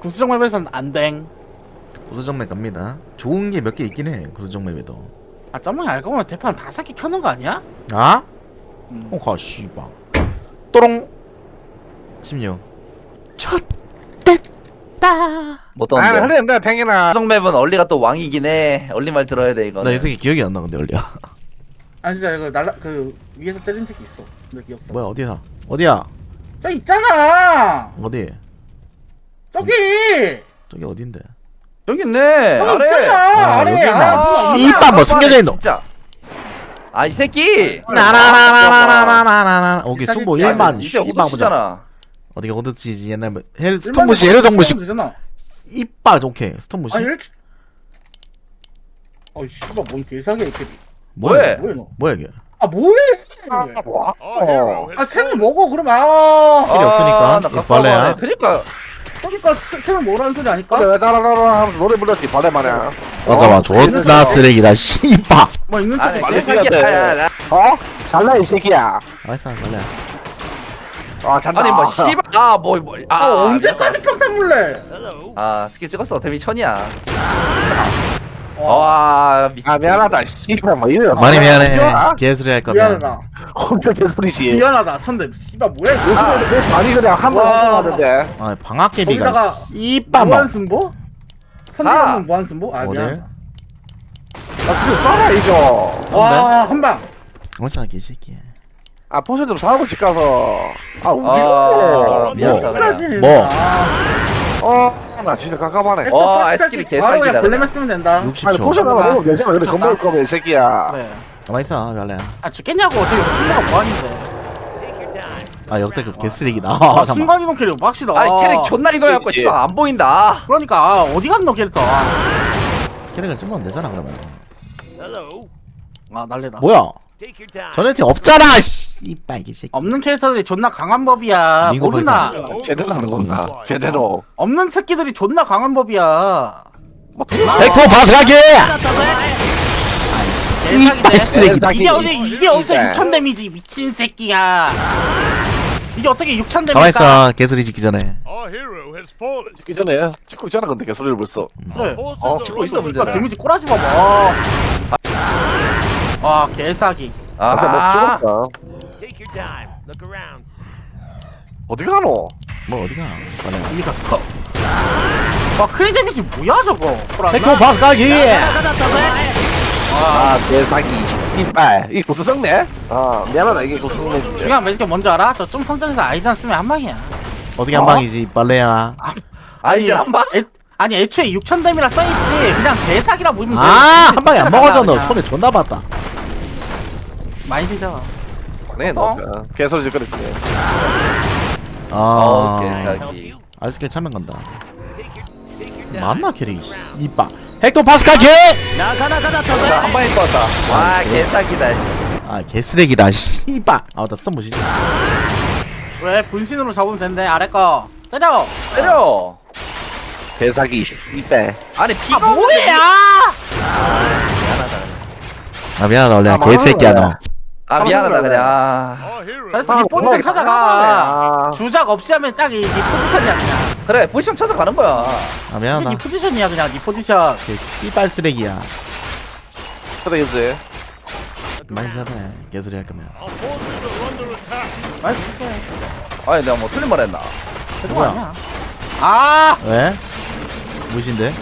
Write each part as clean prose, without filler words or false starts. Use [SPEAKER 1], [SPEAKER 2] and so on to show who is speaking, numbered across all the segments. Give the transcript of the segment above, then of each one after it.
[SPEAKER 1] 구수정 맵에서는 안댕.
[SPEAKER 2] 구수정맵 갑니다. 좋은 게 몇 개 있긴 해. 구수정맵에도.
[SPEAKER 1] 아 점망이 알고 보면 대판 5개 켜놓은 거 아니야?
[SPEAKER 2] 아?
[SPEAKER 1] 음.
[SPEAKER 2] 가 씨발. 또롱. 16.
[SPEAKER 3] 못
[SPEAKER 4] 아,
[SPEAKER 3] 떴는데.
[SPEAKER 4] 흐른다, 팽이나.
[SPEAKER 3] 구성맵은 얼리가 또 왕이긴 해. 얼리 말 들어야 돼 이거.
[SPEAKER 2] 나 이 새끼 기억이 안 나 근데 원래.
[SPEAKER 1] 아니 진짜 이거 날라 그 위에서 때린 새끼 있어. 내 기억상.
[SPEAKER 2] 뭐야 어디야? 어디야?
[SPEAKER 1] 저 있잖아.
[SPEAKER 2] 어디?
[SPEAKER 1] 저기.
[SPEAKER 2] 저기 어딘데?
[SPEAKER 3] 여기 있네.
[SPEAKER 1] 저기
[SPEAKER 3] 아래.
[SPEAKER 1] 있잖아.
[SPEAKER 2] 아,
[SPEAKER 1] 아래.
[SPEAKER 2] 여기 있네.
[SPEAKER 1] 아,
[SPEAKER 2] 씨발 뭐 숨겨져 있노?
[SPEAKER 3] 진짜. 아 이 새끼.
[SPEAKER 2] 나나나나나나나나나. 오케이 승부 1만.
[SPEAKER 3] 이제
[SPEAKER 2] 씨발 보자.
[SPEAKER 3] 오도치잖아.
[SPEAKER 2] 어디가 어디지 옛날 뭐 스톤부시 헤르정부시.
[SPEAKER 1] 되잖아.
[SPEAKER 2] 이빨 오케이 스톤부시.
[SPEAKER 1] 아니 1초. 어이 씨발 뭔 개사기야 이게.
[SPEAKER 3] 뭐해?
[SPEAKER 1] 뭐해 너?
[SPEAKER 2] 뭐야 이게?
[SPEAKER 1] 아 뭐해?
[SPEAKER 4] 뭐?
[SPEAKER 1] 아 샘을 먹어 그러면 아.
[SPEAKER 2] 스킬이 없으니까
[SPEAKER 3] 나
[SPEAKER 2] 이거 벌레야.
[SPEAKER 3] 그러니까
[SPEAKER 1] 그러니까 샘을 뭐라는 소리 아니까?
[SPEAKER 4] 근데 왜 따라가라 하면서 노래 불렀지, 발레 마냥.
[SPEAKER 2] 맞아 존나 쓰레기다 씨발.
[SPEAKER 1] 뭐 있는
[SPEAKER 3] 아니
[SPEAKER 1] 척
[SPEAKER 4] 말레이시아
[SPEAKER 3] 개사기야. 야,
[SPEAKER 4] 어? 잘나, 이 새끼야.
[SPEAKER 2] 알았어 벌레야.
[SPEAKER 4] 아, 잘나.
[SPEAKER 3] 아니 뭐 씨발
[SPEAKER 1] 아 언제까지 평탄 물래?
[SPEAKER 3] 아 스킬 찍었어. 데미 1000이야.
[SPEAKER 1] 와
[SPEAKER 3] 와 미친.
[SPEAKER 4] 아, 미안하다, 씨발, 뭐, 이래.
[SPEAKER 2] 많이 미안해.
[SPEAKER 1] 미안하다.
[SPEAKER 2] 개소리 할 거면.
[SPEAKER 1] 미안하다.
[SPEAKER 4] 혼자 개소리지.
[SPEAKER 1] 미안하다 천대. 씨발 뭐야 이거?
[SPEAKER 4] 요즘에 왜 많이 그냥 한번
[SPEAKER 1] 와.
[SPEAKER 4] 하는데.
[SPEAKER 2] 아 방학개비가
[SPEAKER 1] 거기다가
[SPEAKER 2] 씨발 뭐.
[SPEAKER 1] 무한승보? 선대하면 무한승보? 아
[SPEAKER 2] 어딜?
[SPEAKER 1] 미안.
[SPEAKER 4] 나 지금 써라, 이죠.
[SPEAKER 1] 와 한방.
[SPEAKER 2] 어디서 개새끼야.
[SPEAKER 4] 아, 포션 좀 사고 집 가서. 아,
[SPEAKER 3] 아,
[SPEAKER 4] 우리.
[SPEAKER 3] 미안하다.
[SPEAKER 2] 뭐?
[SPEAKER 4] 나 진짜 깝깝하네.
[SPEAKER 3] 와, 아이스크림 개사기다,
[SPEAKER 1] 바로 그냥 볼레만
[SPEAKER 3] 그냥.
[SPEAKER 1] 쓰면 된다.
[SPEAKER 4] 아니,
[SPEAKER 2] 60초.
[SPEAKER 4] 포션 하나 먹으면 괜찮아. 근데 겁먹을 거면, 이 새끼야.
[SPEAKER 1] 그래.
[SPEAKER 2] 가만 있어 벌레야.
[SPEAKER 1] 아 죽겠냐고 저기 순간가 뭐하는데.
[SPEAKER 2] 아 역대급 개쓰레기다.
[SPEAKER 1] 아,
[SPEAKER 2] 잠깐만.
[SPEAKER 1] 순간이동 캐릭 빡시다.
[SPEAKER 3] 아니 캐릭 존나 이동해갖고
[SPEAKER 4] 그치.
[SPEAKER 3] 씨발 안 보인다.
[SPEAKER 1] 그러니까 아, 어디 갔노 캐릭터?
[SPEAKER 2] 캐릭을 찍으면 되잖아 그러면.
[SPEAKER 1] 아 날래다.
[SPEAKER 2] 뭐야? 전에 팀 없잖아. 씨발 개새끼.
[SPEAKER 1] 없는 캐릭터들이 존나 강한 법이야.
[SPEAKER 2] 이거
[SPEAKER 1] 모르나?
[SPEAKER 4] 제대로 하는 건가? 제대로.
[SPEAKER 1] 없는 새끼들이 존나 강한 법이야.
[SPEAKER 4] 뭐, 들어.
[SPEAKER 2] 벡터 바스가기. 씨발
[SPEAKER 1] 대박이네.
[SPEAKER 2] 쓰레기다.
[SPEAKER 1] 이게 어디서
[SPEAKER 4] 네.
[SPEAKER 1] 6천 데미지 미친 새끼야. 이게 어떻게 6천 데미지?
[SPEAKER 2] 가만 있어. 개소리 짓기 전에.
[SPEAKER 5] Our hero has fallen.
[SPEAKER 4] 찍기 전에 찍고 있잖아, 근데 개소리를 벌써.
[SPEAKER 1] 그래.
[SPEAKER 3] 찍고 있어
[SPEAKER 1] 그러니까
[SPEAKER 3] 문제는.
[SPEAKER 1] 데미지 꼬라지 봐봐. 와 개사기.
[SPEAKER 4] 진짜 뭐
[SPEAKER 3] 아,
[SPEAKER 4] 찍었다.
[SPEAKER 5] Take your time. Look around.
[SPEAKER 4] 어디 가노?
[SPEAKER 2] 뭐 어디가? 벌레야.
[SPEAKER 1] 이미 갔어. 와 크리 데미지 뭐야 저거?
[SPEAKER 2] 벡터 바스가기.
[SPEAKER 4] 아, 개사기, 씨발. 이게 고수성네? 아, 미안하다, 이게 고수성네.
[SPEAKER 1] 중요한 매직이 뭔지 알아? 저 좀 성장해서 아이단 쓰면 한 방이야.
[SPEAKER 2] 어떻게 한 방이지 벌레야.
[SPEAKER 3] 아니 이제 한 방.
[SPEAKER 1] 아니 애초에 6천 데미라 써있지. 그냥 개사기라 보이면 돼.
[SPEAKER 2] 아한 방에 안 먹어져 너.
[SPEAKER 1] 그냥.
[SPEAKER 2] 손에 존나 봤다.
[SPEAKER 1] 많이 되잖아.
[SPEAKER 4] 네, 너. 개소리 짓거렸지.
[SPEAKER 2] 아.
[SPEAKER 3] 개사기.
[SPEAKER 2] 알스킬 참여 간다. 맞나 캐릭? 이빠. 헥토 파스칼
[SPEAKER 3] 한 방에 떴다. 와 개사기다.
[SPEAKER 2] 아 개쓰레기다. 씨발. 아 맞다 스톤 보시지.
[SPEAKER 1] 왜 분신으로 잡으면 된대. 아래 거 때려.
[SPEAKER 3] 때려.
[SPEAKER 4] 개사기, 씨발.
[SPEAKER 3] 아니
[SPEAKER 1] 아
[SPEAKER 3] 피가
[SPEAKER 1] 뭐야?
[SPEAKER 2] 아 미안하다 원래
[SPEAKER 4] 아,
[SPEAKER 2] 개새끼야 너.
[SPEAKER 4] 망하는
[SPEAKER 3] 아 미안하다 그냥.
[SPEAKER 5] Our hero.
[SPEAKER 1] 그래서 이 포지션 찾아가. 주작 없이 하면 딱 이 포지션이야 그냥.
[SPEAKER 3] 그래 포지션 찾아가는 거야.
[SPEAKER 2] 아
[SPEAKER 1] 이
[SPEAKER 2] 미안하다.
[SPEAKER 1] 포지션이야 그냥 이 포지션.
[SPEAKER 2] 개 씨발 쓰레기야.
[SPEAKER 4] 쓰레기지.
[SPEAKER 2] 많이 사네. 개소리 할 거면.
[SPEAKER 5] Our forces are under attack.
[SPEAKER 1] 많이 줄게.
[SPEAKER 3] 아니 내가 뭐 틀린 말 했나?
[SPEAKER 1] 그거
[SPEAKER 2] 뭐야?
[SPEAKER 1] 아니야. 아.
[SPEAKER 2] 왜? 무신데?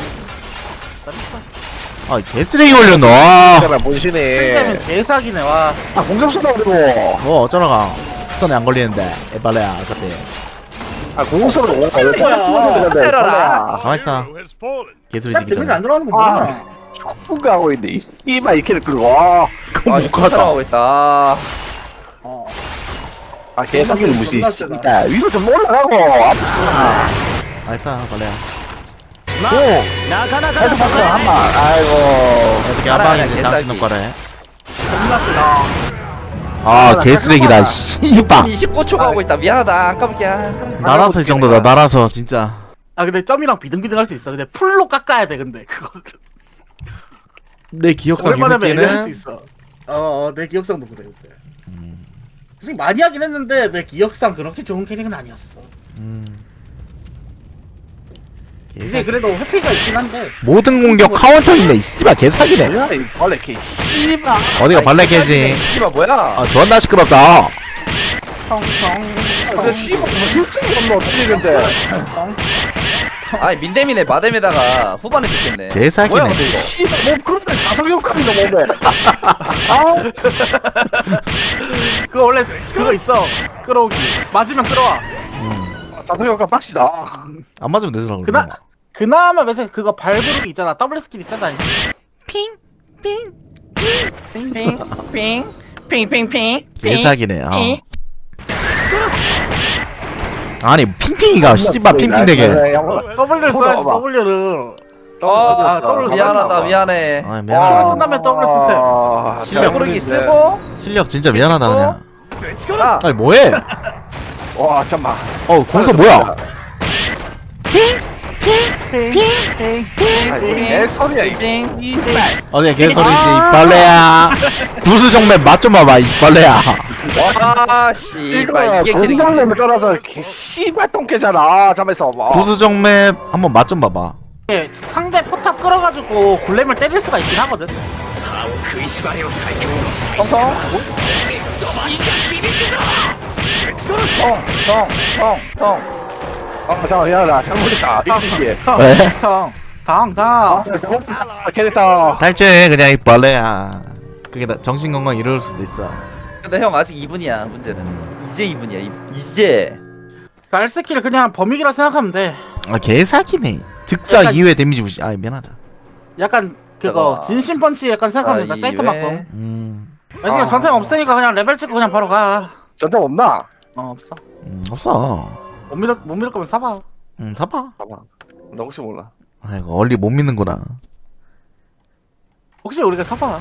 [SPEAKER 2] 아 개쓰레기 올렸노.
[SPEAKER 4] 제발, 본신이.
[SPEAKER 1] 때문에 개사기네 와.
[SPEAKER 4] 아, 공격수다, 그리고.
[SPEAKER 2] 뭐 어쩌라가. 스톤에 안 걸리는데. 에발레야 어차피.
[SPEAKER 4] 아, 공격수로 오.
[SPEAKER 1] 거야.
[SPEAKER 3] 때려라.
[SPEAKER 2] 가만 있어.
[SPEAKER 5] Hero has fallen.
[SPEAKER 2] 개소리
[SPEAKER 1] 딱
[SPEAKER 2] 짓기
[SPEAKER 1] 데미지
[SPEAKER 2] 전에.
[SPEAKER 1] 안 들어가는 거
[SPEAKER 4] 아.
[SPEAKER 1] 뭐야?
[SPEAKER 4] 뭔가 하고 있는데, 이발, 이 캐릭터, 와.
[SPEAKER 3] 아 지금 촬영하고 있다.
[SPEAKER 1] 어.
[SPEAKER 4] 아, 개사기를 무시,
[SPEAKER 1] 존나
[SPEAKER 4] 씨발. 위로 좀 올라가고, 아프잖아.
[SPEAKER 2] 알았어 벌레야.
[SPEAKER 4] 오! 헤드 파스 한 방. 아이고.
[SPEAKER 2] 어떻게 한
[SPEAKER 3] 알아야
[SPEAKER 2] 방이지
[SPEAKER 3] 돼,
[SPEAKER 2] 당신
[SPEAKER 3] 개싸기.
[SPEAKER 2] 놈 거래.
[SPEAKER 1] 존나 세다.
[SPEAKER 2] 아 개쓰레기다. 씨발.
[SPEAKER 3] 29초 가고 있다. 미안하다. 안 까볼게.
[SPEAKER 2] 날아서 이 정도다. 날아서 진짜.
[SPEAKER 1] 아 근데 점이랑 비등비등 할 수 있어. 근데 풀로 깎아야 돼 근데 그거.
[SPEAKER 2] 내 기억상 이
[SPEAKER 1] 얼마나 매일 할수
[SPEAKER 2] 새끼는
[SPEAKER 1] 있어. 내 기억상도 그래 그때. 솔직히 많이 하긴 했는데 내 기억상 그렇게 좋은 캐릭은 아니었어. 이제 그래도 회피가 있긴 한데.
[SPEAKER 2] 모든 공격 카운터 있네. 이 씨발 개사기네.
[SPEAKER 4] 뭐야 이 벌레 개 씨발.
[SPEAKER 2] 어디가 발레개지?
[SPEAKER 3] 씨발 뭐야?
[SPEAKER 2] 아 존나 시끄럽다.
[SPEAKER 4] 그래 씨발 뭐 실증이 없노 틀리는데.
[SPEAKER 3] 아니 민대민의 마뎀에다가 후반에 찍겠네.
[SPEAKER 2] 개사기네.
[SPEAKER 3] 뭐야 근데 이거?
[SPEAKER 4] 씨발 뭐 그런 데 자석효과인가 몸에.
[SPEAKER 1] 그거 원래 그거 있어. 끌어오기. 맞으면 끌어와.
[SPEAKER 4] 자석효과 빡시다.
[SPEAKER 2] 안 맞으면 되더라.
[SPEAKER 1] 그나마 매체 그거 발부르기 있잖아. 더블 스킬이 세다.
[SPEAKER 3] 핑핑핑핑핑핑.
[SPEAKER 2] 개사기네. 아니 핑핑이가 씨발 핑핑되게.
[SPEAKER 1] W를 써야지. W를.
[SPEAKER 3] 더블 미안하다 미안해.
[SPEAKER 2] 아
[SPEAKER 1] W를
[SPEAKER 2] 미안하다.
[SPEAKER 1] 쓴다면 W 쓰세요.
[SPEAKER 2] 실력
[SPEAKER 3] 부르기 쓰고.
[SPEAKER 2] 실력 진짜 미안하다 그냥.
[SPEAKER 3] 아,
[SPEAKER 2] 아니 뭐해?
[SPEAKER 4] 와 잠만.
[SPEAKER 2] 공서 뭐야?
[SPEAKER 4] 내 소리야 이 씨발.
[SPEAKER 2] 어디야 개소리지 이빨래야. 구수정맥 맛 좀 봐봐 이빨래야.
[SPEAKER 3] 와 씨발 이게 캐릭터.
[SPEAKER 4] 공장냄에 따라서 개 씨발 똥개잖아. 잠에서 봐.
[SPEAKER 2] 구수정맥 한번 맛 좀 봐봐.
[SPEAKER 1] 예, 상대 포탑 끌어가지고 골렘을 때릴 수가 있긴 하거든.
[SPEAKER 3] 통통. 통.
[SPEAKER 4] 잠깐 미안하다. 잘못했다. 이게.
[SPEAKER 2] 왜?
[SPEAKER 1] 당.
[SPEAKER 4] 캐릭터.
[SPEAKER 2] 탈퇴 그냥 이빨래야. 그게 나 정신 건강 이럴 수도 있어.
[SPEAKER 3] 근데 형 아직 2분이야 문제는. 이제 2분이야. 이제.
[SPEAKER 1] 알 스킬을 그냥 범위기라 생각하면 돼.
[SPEAKER 2] 아 개사기네. 즉사
[SPEAKER 1] 약간-
[SPEAKER 2] 2회 데미지 부시. 아 미안하다.
[SPEAKER 1] 약간 그거
[SPEAKER 3] 저거-
[SPEAKER 1] 진심 펀치 약간 생각하면 돼. 사이트 막고. 그래서 전템 없으니까 그냥 레벨 찍고 그냥 바로 가.
[SPEAKER 4] 전점 없나?
[SPEAKER 1] 없어.
[SPEAKER 2] 없어.
[SPEAKER 1] 못 믿을 거면 사봐.
[SPEAKER 2] 사봐.
[SPEAKER 4] 봐봐. 나 혹시 몰라.
[SPEAKER 2] 아이고 얼리 못 믿는구나.
[SPEAKER 1] 혹시 우리가 사봐.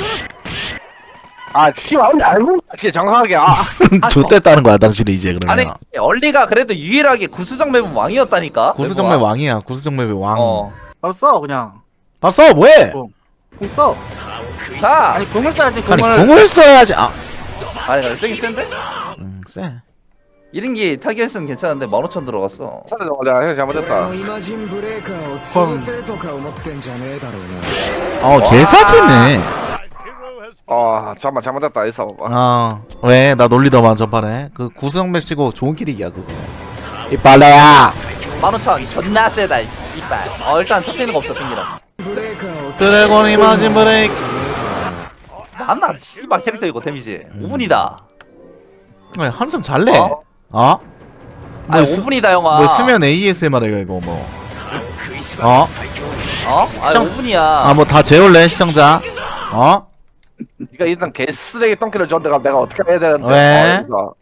[SPEAKER 4] 아 씨발 원래 알고 있다. 진짜 정확하게.
[SPEAKER 2] 좆됐다는 거야 당신이 이제 그러면.
[SPEAKER 3] 아니 얼리가 그래도 유일하게 구수정 맵은 왕이었다니까.
[SPEAKER 2] 구수정맥 왕이야. 구수정맥의 왕.
[SPEAKER 3] 어.
[SPEAKER 1] 써 그냥.
[SPEAKER 2] 봤어 뭐해?
[SPEAKER 1] 궁 써.
[SPEAKER 3] 가.
[SPEAKER 1] 아니 궁을 써야지
[SPEAKER 2] 아니
[SPEAKER 1] 궁을.
[SPEAKER 2] 궁을 써야지.
[SPEAKER 3] 아니 근데 세긴 센데?
[SPEAKER 2] 쎄.
[SPEAKER 3] 1인기 타겟은 괜찮은데 15,000 들어갔어.
[SPEAKER 4] 살려줘. 내가 형 잘못했다.
[SPEAKER 6] イマジンブレーカーを潰せるとか思ってんじゃねえだろうな。
[SPEAKER 2] 개사기네.
[SPEAKER 5] Hero has
[SPEAKER 4] 잠만 잘못했다. 있어 봐봐.
[SPEAKER 2] 왜? 나 놀리더만 전판에. 그 구수정맥 치고 좋은 길이야 그거. 이빨래야.
[SPEAKER 3] 15,000 존나 세다 이빨. 일단 잡히는 거 없어 핑기랑.
[SPEAKER 6] ブレーカーを
[SPEAKER 2] 드래곤 이마진 브레이크.
[SPEAKER 3] 안나 씨발 캐릭터 이거 데미지 5분이다.
[SPEAKER 2] 아니 한숨 잘래. 뭐
[SPEAKER 3] 아니 5분이다 형아.
[SPEAKER 2] 뭐 수면 ASMR 이거 뭐. 어?
[SPEAKER 3] 아니
[SPEAKER 2] 시청-
[SPEAKER 3] 5분이야.
[SPEAKER 2] 뭐 다 재울래 시청자.
[SPEAKER 4] 네가 일단 개 쓰레기 똥개를 줬는데 내가 어떻게 해야 되는데?
[SPEAKER 2] 왜?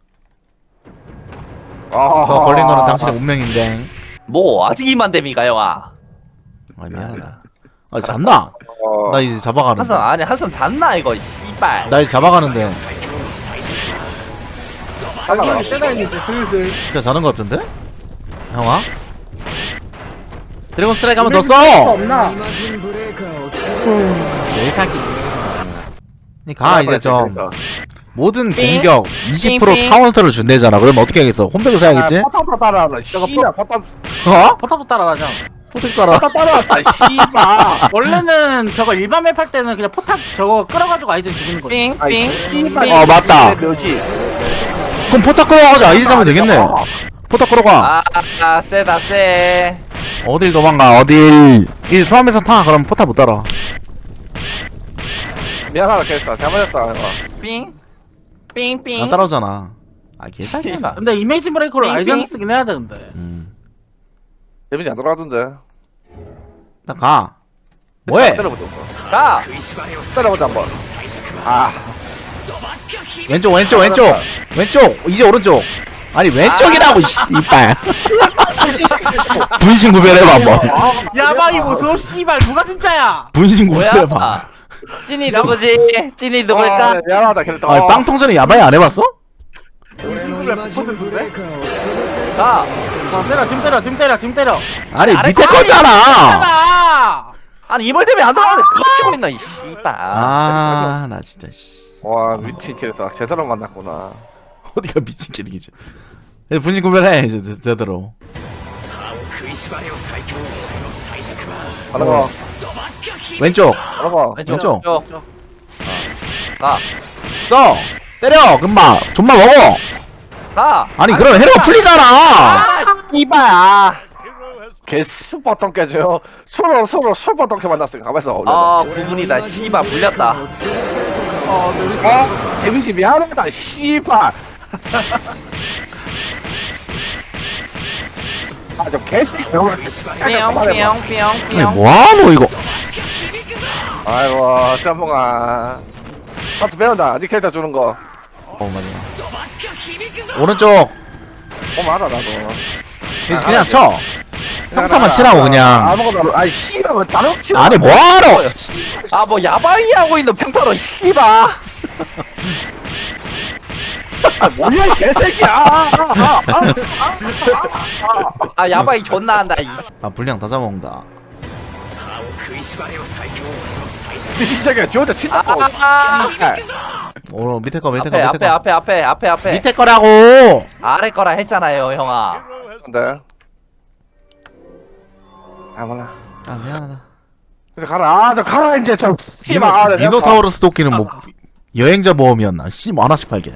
[SPEAKER 4] 아,
[SPEAKER 2] 걸린 거는 당신의 운명인데.
[SPEAKER 3] 뭐 아직 2만 데미가 형아.
[SPEAKER 2] 미안하다. 잤나? 나 이제 잡아가는데.
[SPEAKER 3] 한숨 아니 한숨 잤나 이거 씨발.
[SPEAKER 2] 나 이제 잡아가는데.
[SPEAKER 1] 당연히 세다 이제 슬슬.
[SPEAKER 2] 진짜 자는 거 같은데? 형아? 드래곤 스트라이크 한 번 더 써!
[SPEAKER 1] 없나?
[SPEAKER 6] イマジンブレーカーを潰
[SPEAKER 2] 개사기. 가 이제 좀 모든
[SPEAKER 3] 삥.
[SPEAKER 2] 공격 20%
[SPEAKER 3] 삥.
[SPEAKER 2] 카운터를 준대잖아. 그러면 어떻게 하겠어? 홈백을 사야겠지?
[SPEAKER 4] 포탑 따라하라. 씨발 포탑
[SPEAKER 2] 어?
[SPEAKER 1] 포탑도 따라가자.
[SPEAKER 2] 포tek 따라.
[SPEAKER 4] 따라왔다. 씨발.
[SPEAKER 1] 원래는 저거 일반 맵 할 때는 그냥 포탑 저거 끌어가지고 아이젠 죽이는 거지.
[SPEAKER 4] 아이 씨발.
[SPEAKER 2] 맞다.
[SPEAKER 4] 묘지.
[SPEAKER 2] 그럼 포탑 끌어가자. 아이디 잡으면 되겠네. 포탑 끌어가.
[SPEAKER 3] 세다 세.
[SPEAKER 2] 어딜 도망가 어딜. 이 수암에서 타. 그럼 포탑 못 따라.
[SPEAKER 4] 미안하다 캐릭터. 잘못했다.
[SPEAKER 3] 삥삥.
[SPEAKER 2] 안 따라오잖아. 개사기.
[SPEAKER 3] 씨발.
[SPEAKER 1] 근데 이미지 브레이커를
[SPEAKER 3] 삥,
[SPEAKER 1] 아이젠
[SPEAKER 3] 삥.
[SPEAKER 1] 쓰긴 해야 되는데.
[SPEAKER 4] 데미지 안 들어가던데.
[SPEAKER 2] 나 가. 뭐해?
[SPEAKER 4] 때려보자.
[SPEAKER 3] 가.
[SPEAKER 4] 때려보자 한번. 아.
[SPEAKER 2] 왼쪽 왼쪽 왼쪽 왼쪽 이제 오른쪽. 아니 왼쪽이라고 씨발. 분신 구별해봐 한번.
[SPEAKER 1] 야방이 무서워 씨발 누가 진짜야?
[SPEAKER 2] 분신
[SPEAKER 3] 뭐야?
[SPEAKER 2] 구별해봐.
[SPEAKER 3] 찐이 누구지? 찐이 누굴까?
[SPEAKER 4] 미안하다 캐릭터.
[SPEAKER 2] 아니 빵통전에 야바이 안 해봤어?
[SPEAKER 6] れのイマジンブレーカーを潰せ
[SPEAKER 3] 가.
[SPEAKER 1] 지금 때려.
[SPEAKER 2] 아니
[SPEAKER 3] 아래
[SPEAKER 2] 밑에
[SPEAKER 3] 꽝이
[SPEAKER 2] 거잖아.
[SPEAKER 1] 아!
[SPEAKER 3] 아니 이벌 때문에 안 들어가는데 그거 치고 있나 이 씨발.
[SPEAKER 2] 나 진짜 씨.
[SPEAKER 4] 와 미친 캐릭터. 제대로 만났구나.
[SPEAKER 2] 어디가 미친 캐릭이지. 분신 구별해 이제 제대로.
[SPEAKER 4] 하나가
[SPEAKER 2] 왼쪽
[SPEAKER 4] 하나가
[SPEAKER 2] 왼쪽.
[SPEAKER 3] 가.
[SPEAKER 2] 써 때려 금방 존만 먹어.
[SPEAKER 3] 가.
[SPEAKER 2] 아니 그럼 해로가 풀리잖아.
[SPEAKER 3] 이발.
[SPEAKER 5] Hero has
[SPEAKER 4] 개 슈퍼 깨져요. 서로 슈퍼 똥개 만났으니까 가만있어.
[SPEAKER 3] 아 구분이다. 씨발 물렸다.
[SPEAKER 4] 재민씨 미안하다. 씨발. 아저 개새끼 형아 진짜.
[SPEAKER 2] 아니 뭐하노 이거.
[SPEAKER 4] 아이고 짬뽕아. 같이 배운다. 니 캐릭터 주는 거.
[SPEAKER 2] 맞아. 오른쪽
[SPEAKER 4] 맞아 나도.
[SPEAKER 2] 그냥 쳐. 평타만 치라고 그냥.
[SPEAKER 4] 아무거나. 아이 씨발 왜 다른 거 치라.
[SPEAKER 2] 아니 뭐하노.
[SPEAKER 3] 아 뭐 야바이 하고 있는 평타로 씨발.
[SPEAKER 4] 뭐야 이 개새끼야.
[SPEAKER 3] 아 야바이 존나 한다.
[SPEAKER 2] 아 분량 다 잡아먹는다.
[SPEAKER 4] 이 시작이야. 지 혼자 친다고.
[SPEAKER 2] 오 밑에 거 밑에
[SPEAKER 3] 앞에
[SPEAKER 2] 거 밑에
[SPEAKER 3] 앞에
[SPEAKER 2] 거.
[SPEAKER 3] 앞에 앞에.
[SPEAKER 2] 밑에 거라고.
[SPEAKER 3] 아래 거라 했잖아요 형아.
[SPEAKER 5] hero has
[SPEAKER 4] 근데 아 몰라.
[SPEAKER 2] 아 미안하다.
[SPEAKER 4] 그래서 가라. 저 가라 이제 저 씨발.
[SPEAKER 2] 미노타우로스 도끼는 뭐 여행자 모험이었나? 씨 뭐 하나씩 팔게.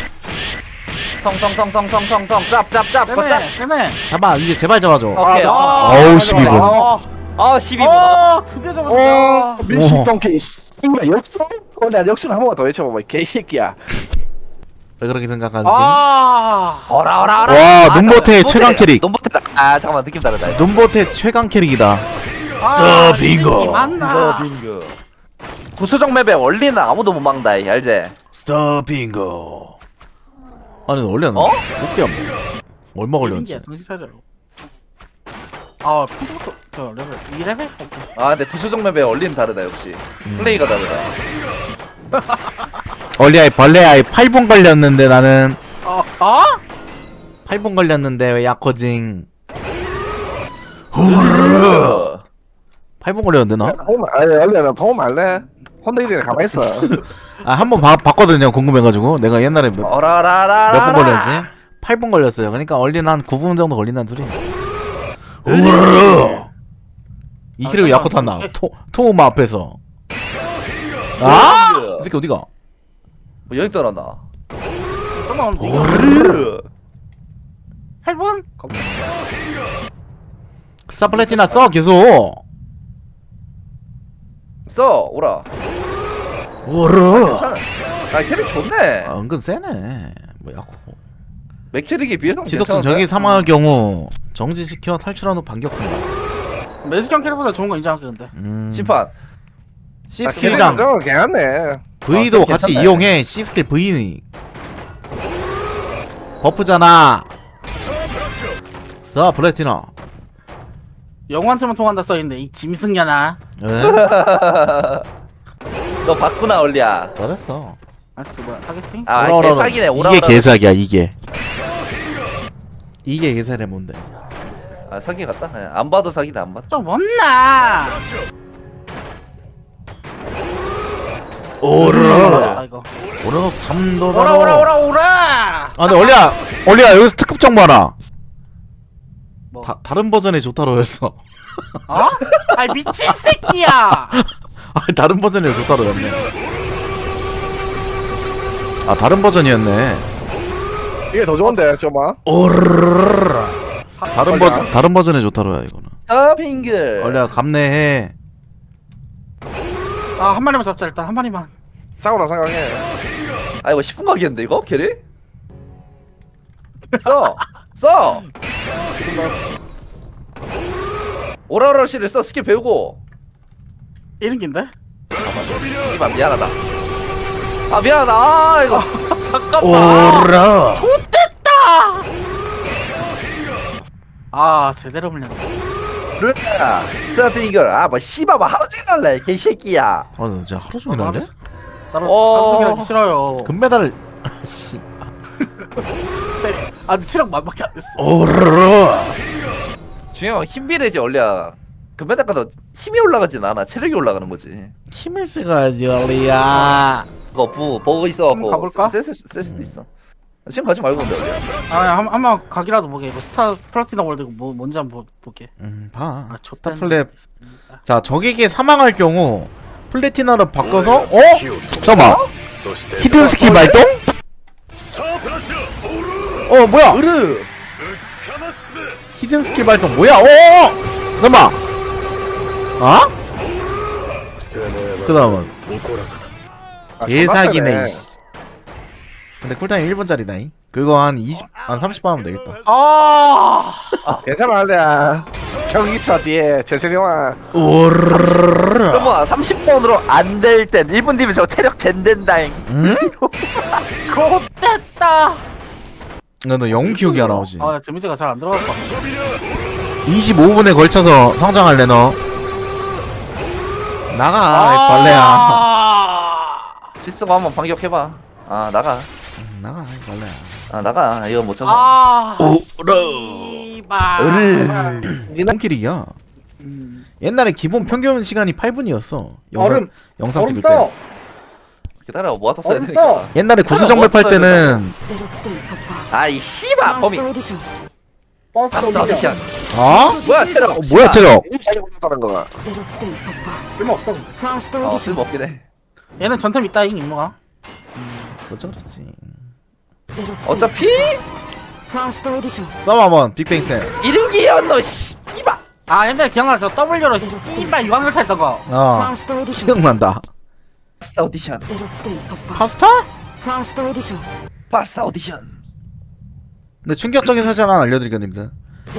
[SPEAKER 3] 텅텅텅텅텅텅텅 짭짭짭 걷짭.
[SPEAKER 1] 세네.
[SPEAKER 2] 잡아 이제 제발 잡아줘.
[SPEAKER 3] 오케이.
[SPEAKER 2] 어우 12분.
[SPEAKER 3] 12분.
[SPEAKER 1] 드디어
[SPEAKER 4] 오
[SPEAKER 1] 잡았다.
[SPEAKER 4] 밀식동기 씨발 역전. 내가 역전 한 번만 더 외쳐봐봐. 개새끼야.
[SPEAKER 2] 왜 그렇게 생각하지?
[SPEAKER 3] 어라.
[SPEAKER 2] 와, 눈보태 최강 캐릭.
[SPEAKER 3] 눈보태다. 아 잠깐만 느낌 다르다.
[SPEAKER 2] 눈보태 최강 캐릭이다.
[SPEAKER 1] 빙고. 맞나?
[SPEAKER 3] 구수정 맵에 원리는 아무도 못 막는다. 알지?
[SPEAKER 2] 스톱핑고. 아니 원래는
[SPEAKER 3] 어?
[SPEAKER 2] 어깨 안 먹어. 얼마 걸렸지?
[SPEAKER 1] 정신 차려. 아, 핑크부터 저 레벨 2레벨?
[SPEAKER 3] 아 근데 구수정 맵에 원리는 다르다 역시. 플레이가 다르다.
[SPEAKER 2] 얼리아이 벌레아이 8분 걸렸는데 나는
[SPEAKER 1] 어?
[SPEAKER 2] 8분 걸렸는데 왜 약호징.
[SPEAKER 3] 으.
[SPEAKER 2] 8분 걸렸는데 나?
[SPEAKER 4] 아니 원래 나 도움 할래. 혼자 이제 가만히 있어.
[SPEAKER 2] 아 한 번 봤거든요. 궁금해가지고 내가 옛날에 몇 분
[SPEAKER 3] 어라라라라.
[SPEAKER 2] 걸렸지? 8분 걸렸어요. 그러니까 얼리는 한 9분 정도 걸린다는 소리. 이 캐릭 약호 탔나? 토우마 앞에서. 아? 이 새끼 어디가?
[SPEAKER 3] 뭐 여기 떠났나?
[SPEAKER 1] 좀만
[SPEAKER 3] 으.
[SPEAKER 1] 8분?
[SPEAKER 2] 스타플래티나 써 계속.
[SPEAKER 3] 써 오라.
[SPEAKER 2] 오르.
[SPEAKER 3] 괜찮아. 아 캐릭 좋네.
[SPEAKER 2] 아, 은근 세네. 뭐 약호.
[SPEAKER 3] 맥캐릭에 비해서
[SPEAKER 2] 지속전 적이 사망할 경우 정지시켜 탈출한 후 반격한다.
[SPEAKER 1] 매스경 캐릭보다 좋은 거 인정할게 근데.
[SPEAKER 3] 심판.
[SPEAKER 2] C 스킬이랑
[SPEAKER 4] 저거 괜찮네.
[SPEAKER 2] V도
[SPEAKER 3] 아,
[SPEAKER 2] 같이
[SPEAKER 3] 괜찮네.
[SPEAKER 2] 이용해. C 스킬 V 버프잖아. 스타 플래티나.
[SPEAKER 1] 영웅한테만 통한다 써있네 이 짐승년아.
[SPEAKER 2] 왜?
[SPEAKER 3] 너 봤구나 얼리야.
[SPEAKER 2] 잘했어.
[SPEAKER 1] 아 그 뭐야 타겟팅?
[SPEAKER 3] 아
[SPEAKER 2] 오라, 오라,
[SPEAKER 3] 개사기네. 오라.
[SPEAKER 2] 이게 개사기야 이게. 이게 개사래 뭔데?
[SPEAKER 3] 아 사기 같다. 그냥 안 봐도 사기다 안 봐도.
[SPEAKER 1] 좀 못나.
[SPEAKER 2] 오르.
[SPEAKER 1] 아 이거.
[SPEAKER 2] 오르노 3도
[SPEAKER 1] 오라.
[SPEAKER 2] 아 근데 얼리야 여기서 특급 정보 하나.
[SPEAKER 1] 뭐?
[SPEAKER 2] 다른 버전의 조타로였어.
[SPEAKER 1] 어? 아 미친 새끼야.
[SPEAKER 2] 아 다른 버전의 조타로였네. 아 다른 버전이었네.
[SPEAKER 4] 이게 더 좋은데 좀만.
[SPEAKER 2] 오르르르르. 다른 버전의 조타로야 이거는.
[SPEAKER 3] 아 빙글.
[SPEAKER 2] 얼리야 감내해.
[SPEAKER 1] 아 한 마리만 잡자 일단 한 마리만.
[SPEAKER 4] 싸우라 생각해.
[SPEAKER 3] 아 이거 10분 가겠는데 이거 캐릭? 써. 오라오라씨를 써 스킬 배우고.
[SPEAKER 1] 이런 긴데?
[SPEAKER 3] 이만 미안하다. 아 미안하다. 아 이거.
[SPEAKER 1] 잠깐만.
[SPEAKER 2] 오라.
[SPEAKER 1] 아 제대로 물렸네.
[SPEAKER 3] 루야 스타핑글. 아뭐 씨발 뭐 하루 종일 할래 개새끼야.
[SPEAKER 2] 아 나 진짜 하루 종일 할래?
[SPEAKER 1] 나는
[SPEAKER 3] 어.
[SPEAKER 1] 방송이라기 싫어요.
[SPEAKER 2] 금메달. 씨.
[SPEAKER 1] 아 근데 체력 만밖에 안 됐어.
[SPEAKER 2] 오르르.
[SPEAKER 3] 중요한 건 힘비례지 얼리야. 금메달보다 힘이 올라가진 않아. 체력이 올라가는 거지.
[SPEAKER 2] 힘을 쓰가야지 얼리야.
[SPEAKER 3] 그거 버그 있어갖고
[SPEAKER 1] 가볼까?
[SPEAKER 3] 쓸 수도 있어. 지금 가지 말고 근데 어디야?
[SPEAKER 1] 아 한번 가기라도 보게. 이거 스타 플라티나 월드 뭐 뭔지 한번 볼게.
[SPEAKER 2] 봐.
[SPEAKER 1] 아,
[SPEAKER 2] 스타
[SPEAKER 1] 좋다는-
[SPEAKER 2] 플랩. 자, 적에게 사망할 경우 플래티나로 바꿔서 잠깐만. 히든 스킬 발동? 뭐야?
[SPEAKER 3] 으르.
[SPEAKER 2] 히든 스킬 발동 뭐야? 잠깐만. 그 다음은 개사기네 이씨. 근데 쿨타임 1분짜리다. 그거 한 30번 하면 되겠다.
[SPEAKER 1] 아
[SPEAKER 4] 괜찮아 알레야 형 있어 뒤에 재생형아
[SPEAKER 2] 오르르르르.
[SPEAKER 3] 그럼 30번으로 안 될 땐 1분 뒤면 저 체력 젠된다잉.
[SPEAKER 2] 응?
[SPEAKER 1] 좋됐다.
[SPEAKER 2] 너 영웅 키우기 하나 오지.
[SPEAKER 1] 아 데미지가 잘 안 들어갔다.
[SPEAKER 2] 25분에 걸쳐서 성장할래 너. 나가 이 벌레야.
[SPEAKER 3] 실수가 한번 반격해봐. 아 나가.
[SPEAKER 2] 나가 이 벌레야.
[SPEAKER 3] 아 나가. 이거 못 참아.
[SPEAKER 1] 아
[SPEAKER 2] 오르.
[SPEAKER 1] 이발.
[SPEAKER 2] 홈킬이야. 옛날에 기본 평균 시간이 8분이었어.
[SPEAKER 1] 얼음.
[SPEAKER 2] 영상
[SPEAKER 1] 얼음
[SPEAKER 2] 찍을
[SPEAKER 1] 써.
[SPEAKER 2] 때.
[SPEAKER 3] 기다려 모아서 써야
[SPEAKER 1] 얼음
[SPEAKER 3] 되니까.
[SPEAKER 1] 써.
[SPEAKER 2] 옛날에 구수정벌 팔 때는
[SPEAKER 3] 아이 씨발 범인. 파스트 오디션. 뭐야 체력.
[SPEAKER 2] 뭐야 체력?
[SPEAKER 4] 자기 올렸다는 거가
[SPEAKER 1] 쓸모 없어.
[SPEAKER 3] 쓸모 없긴 해.
[SPEAKER 1] 얘는 전템 있다잉 임무가.
[SPEAKER 2] 어쩌 그렇지.
[SPEAKER 3] 어차피
[SPEAKER 2] 써봐 한번 빅뱅 쌤.
[SPEAKER 3] 1인기야 너 씨발.
[SPEAKER 1] 아 옛날에 기억나 저 W로 씨발 유황열차 했던 거.
[SPEAKER 2] 기억난다.
[SPEAKER 3] 파스트 오디션.
[SPEAKER 2] 파스타?
[SPEAKER 3] 파스트 오디션.
[SPEAKER 2] 근데 충격적인 사실 하나 알려드리겠습니다.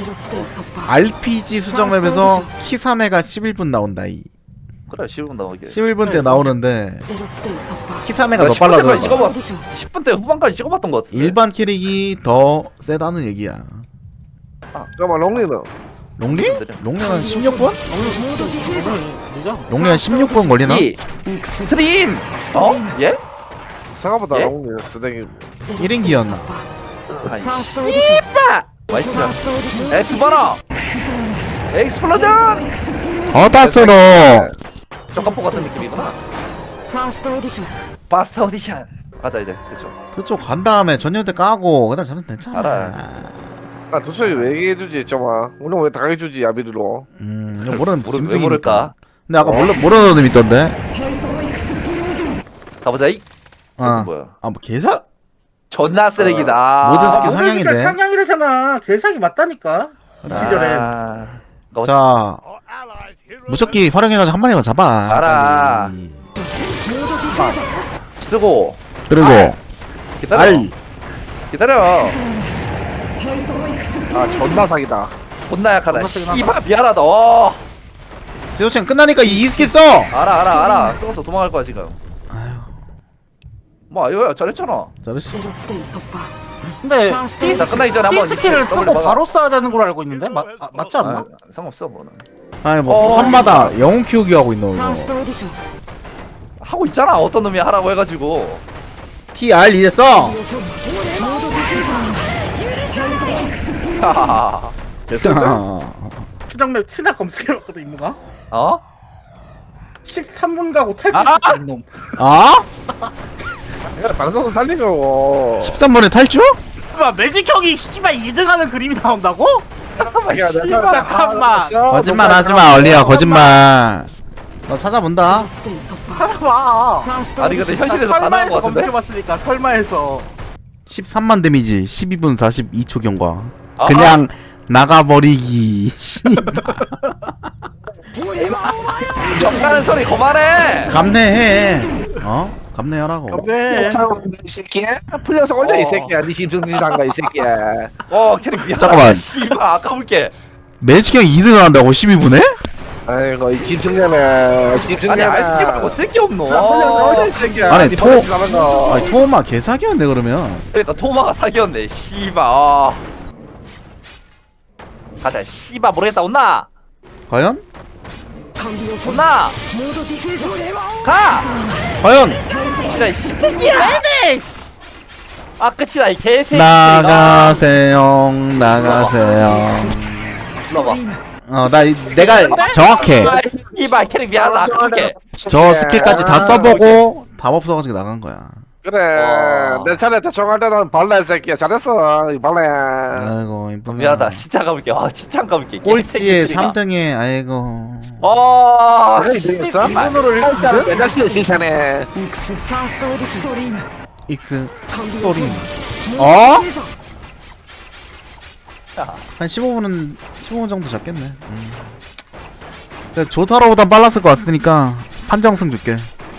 [SPEAKER 2] RPG 수정 맵에서 키사메가 11분 나온다.
[SPEAKER 3] 그래 10분 나오게.
[SPEAKER 2] 11분 때 나오는데 키사메가 더 빨라
[SPEAKER 3] 빨라
[SPEAKER 2] 들어가.
[SPEAKER 3] 찍어봤어. 10분 때 후반까지 찍어봤던 것 같아.
[SPEAKER 2] 일반 캐릭이 더 세다는 얘기야.
[SPEAKER 4] 잠깐만 롱리는
[SPEAKER 2] 롱리? 롱리 한 16분?
[SPEAKER 1] 늦어.
[SPEAKER 2] 롱리 한 16분 걸리나?
[SPEAKER 3] 이 스트림. 예?
[SPEAKER 4] 생각보다
[SPEAKER 3] 예?
[SPEAKER 4] 롱리는 쓰레기
[SPEAKER 2] 1인기였나?
[SPEAKER 3] 아이 씨발. 맛있어. 엑스버너. 엑스플로전.
[SPEAKER 2] 어따스로
[SPEAKER 3] 쪼까포 같은 느낌이구나. 파스트 오디션. 가자 이제. 그쵸.
[SPEAKER 2] 그쪽 간 다음에 전년대 까고 그다음 잡으면 괜찮아.
[SPEAKER 3] 알아.
[SPEAKER 4] 도저히 왜 얘기해주지 정아 우리 왜 당해주지 야비르로
[SPEAKER 2] 이거 모르는
[SPEAKER 3] 왜
[SPEAKER 2] 짐승이니까.
[SPEAKER 3] 모를까?
[SPEAKER 2] 근데 아까 모르는 놈 있던데.
[SPEAKER 3] 가보자 이.
[SPEAKER 2] 아,
[SPEAKER 3] 뭐야?
[SPEAKER 2] 뭐 개사?
[SPEAKER 3] 존나 쓰레기다.
[SPEAKER 2] 모든 스킬
[SPEAKER 1] 아,
[SPEAKER 2] 상향인데.
[SPEAKER 1] 상향이래잖아. 개사기 맞다니까. 이 시절에.
[SPEAKER 2] 자, 무적기 활용해가지고 한 마리만 잡아.
[SPEAKER 3] 알아.
[SPEAKER 2] 빨리.
[SPEAKER 3] 쓰고
[SPEAKER 2] 그리고
[SPEAKER 3] 기다려.
[SPEAKER 2] 알.
[SPEAKER 3] 기다려.
[SPEAKER 4] 존나 사기다
[SPEAKER 3] 존나 약하다.
[SPEAKER 1] 존나 쓰긴
[SPEAKER 3] 씨발 미안하다.
[SPEAKER 2] 제도chen 끝나니까 이 스킬 써.
[SPEAKER 3] 알아. 썩어서 도망갈 거야 지금. 뭐 이거야 잘했잖아.
[SPEAKER 2] 잘했어.
[SPEAKER 1] 근데
[SPEAKER 3] 자, 끝나기 전에 한번
[SPEAKER 1] 스킬을
[SPEAKER 3] 더블
[SPEAKER 1] 쓰고
[SPEAKER 3] 막아.
[SPEAKER 1] 바로 써야 되는 걸로 알고 있는데 맞지 않나?
[SPEAKER 3] 상관없어 뭐는.
[SPEAKER 2] 아니 뭐 한마다 영웅 키우기 하고 있노 이거.
[SPEAKER 3] 하고 있잖아. 어떤 놈이 하라고 해가지고.
[SPEAKER 2] TR 이제 써.
[SPEAKER 3] 하하하.
[SPEAKER 1] 추정맵 치나 검색해봤거든 임무가.
[SPEAKER 3] 어?
[SPEAKER 1] 13분 가고
[SPEAKER 3] 아!
[SPEAKER 1] 탈출시키는 놈.
[SPEAKER 2] 아?
[SPEAKER 4] 내가 방송을 살린 거고
[SPEAKER 2] 13번에 탈주?
[SPEAKER 1] 봐 매직 형이 씨발 2등하는 그림이 나온다고? 잠깐만.
[SPEAKER 2] 거짓말 하지마 얼리야 거짓말. 너 찾아본다.
[SPEAKER 1] 찾아봐.
[SPEAKER 3] 아니 근데 현실에서 다 나온
[SPEAKER 1] 설마에서
[SPEAKER 3] 거 같은데?
[SPEAKER 1] 검색해봤으니까 설마에서.
[SPEAKER 2] 13만 데미지 12분 42초 경과.
[SPEAKER 3] 아,
[SPEAKER 2] 그냥 나가버리기.
[SPEAKER 3] 정가는 소리 그만해.
[SPEAKER 2] 감내해. 감내하라고.
[SPEAKER 1] 네.
[SPEAKER 4] 이 새끼야 풀려서 올려 이 새끼야 니 심승짓한 거이 새끼야
[SPEAKER 3] 캐릭 미안하다.
[SPEAKER 2] 잠깐만.
[SPEAKER 3] 씨발 아까 볼게.
[SPEAKER 2] 매직형 2등을 한다고 12분에?
[SPEAKER 4] 아이고 이 집중자네
[SPEAKER 3] 아니 아이스크림 말고 쓸게 없노.
[SPEAKER 4] 풀려서 올려 이 새끼야
[SPEAKER 2] 아니,
[SPEAKER 4] 니
[SPEAKER 2] 토-
[SPEAKER 4] 버릇이 나는 거
[SPEAKER 2] 아니 토마 개사기였네 그러면.
[SPEAKER 3] 그러니까 토마가 사기였네. 씨발. 가자. 씨발 모르겠다. 온나.
[SPEAKER 2] 과연?
[SPEAKER 3] 온나. 가.
[SPEAKER 2] 과연?
[SPEAKER 3] 이런 씨새끼야. 아 끝이다 이 개새끼.
[SPEAKER 2] 나가세요 나가세요.
[SPEAKER 3] 넣어봐.
[SPEAKER 2] 내가 정확해.
[SPEAKER 3] 이발 캐릭 미안하다. 아까 볼게.
[SPEAKER 2] 저 스킬까지 다 써보고 답 없어가지고 나간 거야.
[SPEAKER 4] 그래
[SPEAKER 3] 와.
[SPEAKER 4] 내 차례 때 총할 때는 벌레 새끼야 잘했어 이 벌레.
[SPEAKER 2] 아이고 이쁘다.
[SPEAKER 3] 미안하다. 진짜 가볼게. 와 진짜 가볼게.
[SPEAKER 2] 꼴찌에 3등에 아이고.
[SPEAKER 3] 아,
[SPEAKER 4] 그래 이등했어?
[SPEAKER 3] 이분으로
[SPEAKER 4] 맨날 시에 칭찬해.
[SPEAKER 2] 익스 스토리. 어? 한 15분 정도 잡겠네. 조타로보단 빨랐을 것 같으니까 판정승 줄게.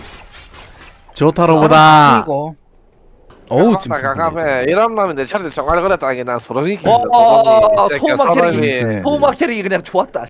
[SPEAKER 2] 조타로보다.
[SPEAKER 1] 이거.
[SPEAKER 2] 어우 찜.
[SPEAKER 4] 가감해 이런 놈이 내 차례 때 총알 걸었다는 게 난 소름이 끼친다.
[SPEAKER 3] 와,
[SPEAKER 4] 소름이. 이 새끼야,
[SPEAKER 3] 토마
[SPEAKER 4] 소름이.
[SPEAKER 3] 캐릭. 토마 캐릭이 그냥 좋았다.